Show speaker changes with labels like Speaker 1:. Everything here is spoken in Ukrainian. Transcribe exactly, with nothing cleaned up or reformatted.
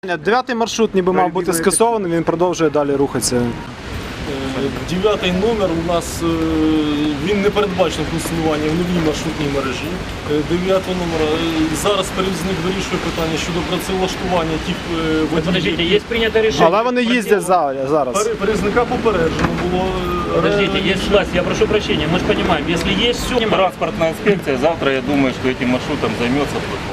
Speaker 1: Дев'ятий маршрут ніби мав бути скасований, він продовжує далі рухатися.
Speaker 2: Дев'ятий номер у нас, він не передбачений функціонування в новій маршрутній мережі. Дев'ятого номера зараз перевізник вирішує питання щодо працевлаштування тих водіїв.
Speaker 3: Подождите, есть принято решение.
Speaker 1: Але вони їздять зараз.
Speaker 2: Перевізника попереджено було.
Speaker 3: Подождите, есть власть, я прошу прощения, мы же понимаем, если есть все...
Speaker 4: Транспортная инспекция завтра, я думаю, что этим маршрутом займется.